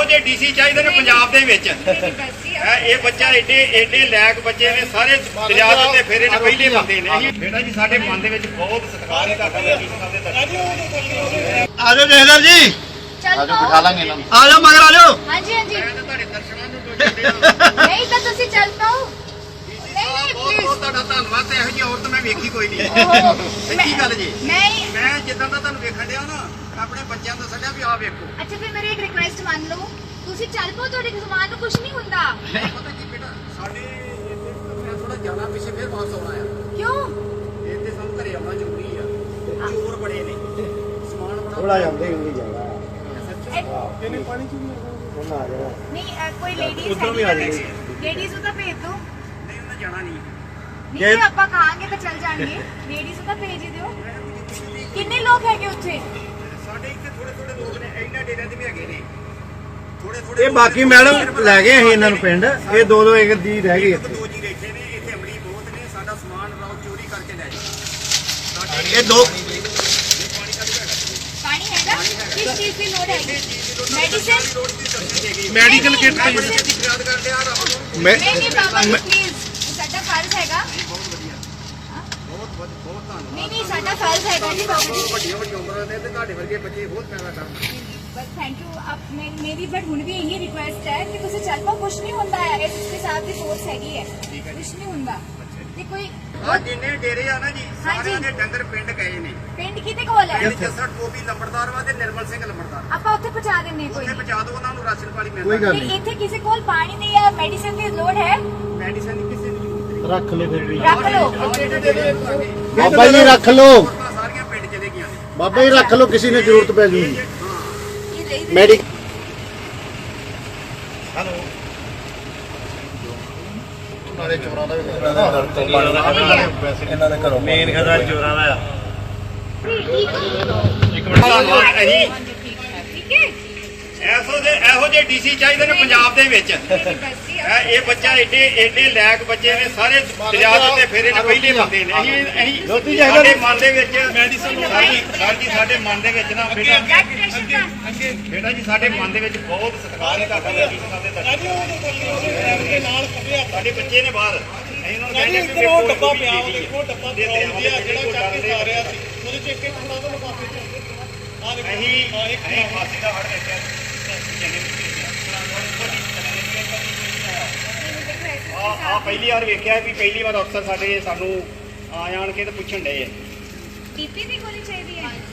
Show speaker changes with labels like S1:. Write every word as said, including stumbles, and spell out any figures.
S1: ਜਿਹੇ ਡੀਸੀ ਚਾਹੀਦੇ ਨੇ ਪੰਜਾਬ ਦੇ ਵਿੱਚ। ਇਹ ਬੱਚਾ ਏਡੇ ਏਡੇ ਲੈਕ ਬੱਚੇ ਨੇ, ਸਾਰੇ ਦਰਿਆ ਦੇ ਉੱਤੇ ਫੇਰੇ ਨੇ, ਪਹਿਲੇ ਬੰਦੇ ਨੇ। ਬੇਟਾ ਜੀ ਸਾਡੇ ਮਨ ਦੇ ਵਿੱਚ ਬਹੁਤ ਸਤਿਕਾਰ ਹੈ ਤੁਹਾਡਾ।
S2: ਆ ਜਾਓ ਜਹਦਰ ਜੀ,
S3: ਆ ਜਾਓ ਬਿਠਾ ਲਾਂਗੇ ਇਹਨਾਂ ਨੂੰ।
S2: ਆ ਜਾਓ ਮਗਰ ਆ ਜਾਓ।
S3: ਹਾਂਜੀ ਹਾਂਜੀ
S1: ਮੈਂ ਤਾਂ ਤੁਹਾਡੇ ਦਰਸ਼ਨਾਂ ਨੂੰ ਡੋਲਦੇ
S3: ਨਹੀਂ ਤਾਂ ਤੁਸੀਂ ਚੱਲ ਪਾਓ। ਨਹੀਂ ਨਹੀਂ
S1: ਬਹੁਤ
S3: ਪਲੀਜ਼।
S1: ਬਹੁਤ ਤੁਹਾਡਾ ਧੰਨਵਾਦ। ਤੇ ਇਹੋ ਜਿਹੀ ਔਰਤ ਮੈਂ ਵੇਖੀ ਕੋਈ ਨਹੀਂ।
S3: ਓਹੋ,
S1: ਸੱਚੀ ਗੱਲ ਜੀ।
S3: ਨਹੀਂ
S1: ਮੈਂ ਜਿੱਦਾਂ ਦਾ ਤੁਹਾਨੂੰ ਵੇਖਣ ਡਿਆ ਨਾ, ਆਪਣੇ ਬੱਚਿਆਂ ਤੋਂ ਸੱਜਿਆ ਵੀ ਆਹ ਵੇਖੋ।
S3: ਅੱਛਾ ਫਿਰ ਮੇਰੀ ਇੱਕ ਰਿਕੁਐਸਟ ਮੰਨ ਲਓ, ਤੁਸੀਂ ਚੱਲ ਪਾਓ, ਤੁਹਾਡੇ ਸਮਾਨ ਨੂੰ ਕੁਝ ਨਹੀਂ ਹੁੰਦਾ।
S1: ਪਤਾ ਕੀ ਬੇਟਾ, ਸਾਡੇ ਇੱਥੇ ਮੈਂ ਥੋੜਾ ਜਾਣਾ ਪਿੱਛੇ, ਫਿਰ ਵਾਪਸ ਆਉਣਾ ਆ।
S3: ਕਿਉਂ?
S1: ਇੱਥੇ ਸਾਨੂੰ ਘਰੇ ਆਉਣਾ ਜ਼ਰੂਰੀ ਆ। ਚੋਰ ਬੜੇ ਨੇ, ਸਮਾਨ ਬੜਾ
S2: ਥੋੜਾ ਜਾਂਦੇ ਹੁੰਦੀ ਜਾਣਾ।
S3: ਇਹ-
S2: ਇਹਨੇ ਪਾਣੀ ਚ ਵੀ ਉਹਨਾਂ ਆ ਜਾਣਾ।
S3: ਨਹੀਂ ਅ, ਕੋਈ ਲੇਡੀਜ਼
S2: ਉੱਧਰੋਂ ਵੀ ਆ ਜਾਏਗੀ।
S3: ਲੇਡੀਜ਼ ਨੂੰ ਤਾਂ ਭੇਜ ਦਿਓ।
S1: ਨਹੀਂ, ਉਹਨੇ ਜਾਣਾ ਨਹੀਂ।
S3: ਨਹੀਂ ਜੇ ਆਪਾਂ ਕਹਾਂਗੇ ਤਾਂ ਚੱਲ ਜਾਣਗੇ। ਲੇਡੀਜ਼ ਨੂੰ ਤਾਂ ਭੇਜ ਹੀ ਦਿਓ। ਕਿੰਨੇ ਲੋਕ ਹੈਗੇ ਉੱਥੇ?
S1: ਸਾਡੇ ਇੱਥੇ ਥੋੜੇ ਥੋੜੇ ਲੋਕ ਨੇ, ਇਹਨਾਂ ਡੇਰਿਆਂ ਦੇ ਵੀ ਹੈਗੇ ਨੇ ਥੋੜੇ ਥੋੜੇ।
S2: ਇਹ ਬਾਕੀ ਮੈਡਮ ਲੈ ਗਏ ਅਸੀਂ ਇਹਨਾਂ ਨੂੰ ਪਿੰਡ। ਇਹ ਦੋ ਦੋ ਇੱਕ ਦੀ ਰਹਿ ਗਈ
S1: ਇੱਕ
S2: ਇੱਥੇ।
S1: ਦੋ ਜੀ ਬੈਠੇ ਨੇ ਇੱਥੇ, ਅਮਲੀ ਬਹੁਤ ਨੇ। ਸਾਡਾ ਸਮਾਨ ਰਾਉ ਚੋਰੀ ਕਰਕੇ ਲੈ ਜਾਂਦੇ।
S2: ਇਹ ਦੋ
S3: ਪਾਣੀ ਹੈਗਾ? ਕਿਸ ਚੀਜ਼ ਦੀ ਲੋੜ ਹੈਗੀ? ਮੈਡੀਸਿਨ?
S2: ਮੈਡੀਕਲ ਕਿੱਟ
S1: ਬੜੀ ਛੇਤੀ ਫਰਿਆਦ ਕਰਦੇ ਆ ਰੱਬ ਨੂੰ।
S2: ਮੈਂ
S3: ਨਹੀਂ ਨਹੀਂ ਬਾਬਾ ਜੀ ਪਲੀਜ਼, ਸਾਡਾ ਫਰਜ਼ ਹੈਗਾ।
S1: ਬਹੁਤ ਵਧੀਆ, ਬਹੁਤ ਬਹੁਤ ਬਹੁਤ ਧੰਨਵਾਦ।
S3: ਨਹੀਂ ਨਹੀਂ ਸਾਡਾ ਫਰਜ਼ ਹੈਗਾ ਜੀ ਬਾਬਾ ਜੀ।
S1: ਵੱਡੀਆਂ ਵੱਡੀਆਂ ਉਮਰਾਂ ਦੇ ਤੇ ਤੁਹਾਡੇ ਵਰਗੇ ਬੱਚੇ ਬਹੁਤ ਪੈਦਾ ਕਰਨ।
S3: ਬਸ ਥੈਂਕ ਯੂ। ਆਪ ਮੈਂ ਮੇਰੀ ਬਟ ਹੁਣ ਵੀ ਇਹੀ ਰਿਕੁਐਸਟ ਹੈ ਕਿ ਤੁਸੀਂ ਚੱਲ ਪਾਓ, ਕੁਝ ਨਹੀਂ ਹੁੰਦਾ ਹੈ। ਇਸ ਦੇ ਸਾਥ ਦੀ ਫੋਰਸ ਹੈਗੀ ਹੈ, ਕੁਝ ਨਹੀਂ ਹੁੰਦਾ। ਤੇ ਕੋਈ
S1: ਆ ਜਿੰਨੇ ਡੇਰੇ ਆ ਨਾ ਜੀ, ਸਾਰਿਆਂ ਦੇ ਡੰਗਰ ਪਿੰਡ ਗਏ ਨੇ।
S3: ਪਿੰਡ ਕਿਤੇ ਕੋਲ ਹੈ?
S1: ਪਿੰਡ ਜੱਸੜ ਟੋਬੀ ਲੰਬੜਦਾਰ ਵਾ ਤੇ ਨਿਰਮਲ ਸਿੰਘ ਲੰਬੜਦਾਰ।
S3: ਆਪਾਂ ਉੱਥੇ ਪਹੁੰਚਾ ਦਿੰਨੇ ਕੋਈ
S1: ਉੱਥੇ ਪਹੁੰਚਾ ਦਿਓ ਉਹਨਾਂ ਨੂੰ, ਰਾਸ਼ਨ ਪਾਣੀ
S2: ਕੋਈ
S1: ਮਿਲਦਾ।
S2: ਗੱਲ
S3: ਨਹੀਂ।
S2: ਨਹੀਂ।
S3: ਇੱਥੇ ਕਿਸੇ ਕੋਲ ਪਾਣੀ ਦੀ ਜਾਂ ਮੈਡੀਸਿਨ ਦੀ ਲੋੜ ਹੈ?
S1: ਮੈਡੀਸਨ ਦੀ ਕਿਸੇ ਦੀ ਜ਼ਰੂਰਤ ਨਹੀਂ।
S2: ਰੱਖ ਲਓ ਫਿਰ ਵੀ।
S3: ਰੱਖ ਲਓ।
S2: ਬਾਬਾ ਜੀ ਰੱਖ ਲਓ।
S1: ਔਰਤਾਂ ਸਾਰੀਆਂ ਪਿੰਡ ਚਲੇ ਗਈਆਂ ਨੇ।
S2: ਬਾਬਾ ਜੀ ਰੱਖ ਲਓ, ਕਿਸੇ ਨੇ ਜ਼ਰੂਰਤ ਪੈ ਜੂਗੀ।
S3: ਇਹ ਲਈ
S2: ਮੈਡੀ
S1: ਹੈਲੋ।
S2: ਨਾਲੇ ਚੋਰਾਂ ਦਾ ਵੀ
S4: ਇਹਨਾਂ ਦੇ ਘਰੋਂ ਮੇਨ ਖਤਰਾ ਚੋਰਾਂ ਦਾ ਆ।
S3: ਠੀਕ
S1: ਇੱਕ ਮਿੰਟ ਧੰਨਵਾਦ। ਅਸੀਂ
S3: ਹਾਂਜੀ ਠੀਕ ਹੈ ਠੀਕ ਹੈ।
S1: ਐਸੋ ਦੇ ਇਹੋ ਜਿਹੇ ਡੀਸੀ ਚਾਹੀਦੇ ਨੇ ਪੰਜਾਬ ਦੇ ਵਿੱਚ। ਇਹ ਇਹ ਬੱਚਾ ਏਡੇ ਏਡੇ ਲੈਕ ਬੱਚੇ ਨੇ, ਸਾਰੇ ਦਰਿਆ ਦੇ ਉੱਤੇ ਫੇਰੇ ਨੇ, ਪਹਿਲੇ ਬੰਦੇ ਨੇ। ਅਸੀਂ ਅਸੀਂ ਸਾਡੇ ਮਨ ਦੇ ਵਿੱਚ ਸਾਡੀ ਸਾਡੀ ਸਾਡੇ ਮਨ ਦੇ ਵਿੱਚ ਨਾ ਬੇਟਾ ਬੇਟਾ ਜੀ, ਸਾਡੇ ਮਨ ਦੇ ਵਿੱਚ ਬਹੁਤ ਸਤਿਕਾਰ ਹੈ ਤੁਹਾਡਾ। ਸਾਡੇ ਬੱਚੇ ਨੇ ਬਾਹਰ, ਅਸੀਂ ਉਹਨਾਂ ਨੂੰ ਕਹਿੰਦੇ ਕਿ
S5: ਉਹ ਡੱਬਾ ਪਿਆ, ਉਹ ਡੱਬਾ ਜਿਹੜਾ ਚੱਕ ਕੇ ਆ ਰਿਹਾ ਸੀ, ਉਹਦੇ ਚ ਇੱਕ ਇੱਕ ਥੋੜਾ ਤੋਂ ਲਿਫਾਫੇ ਚ ਆ ਦੇਖੋ।
S1: ਅਸੀਂ ਅਸੀਂ ਫਾਸੀ ਦਾ ਹੜ ਵੇਖਿਆ। ਆ ਆ ਪਹਿਲੀ ਵਾਰ ਵੇਖਿਆ ਵੀ ਪਹਿਲੀ ਵਾਰ ਅਫਸਰ ਸਾਡੇ ਸਾਨੂੰ ਆ ਜਾਣ ਕੇ ਤੇ ਪੁੱਛਣ ਡਏ ਆ।
S3: ਡੀਪੀ ਦੀ ਗੋਲੀ ਚਾਹੀਦੀ ਹੈ?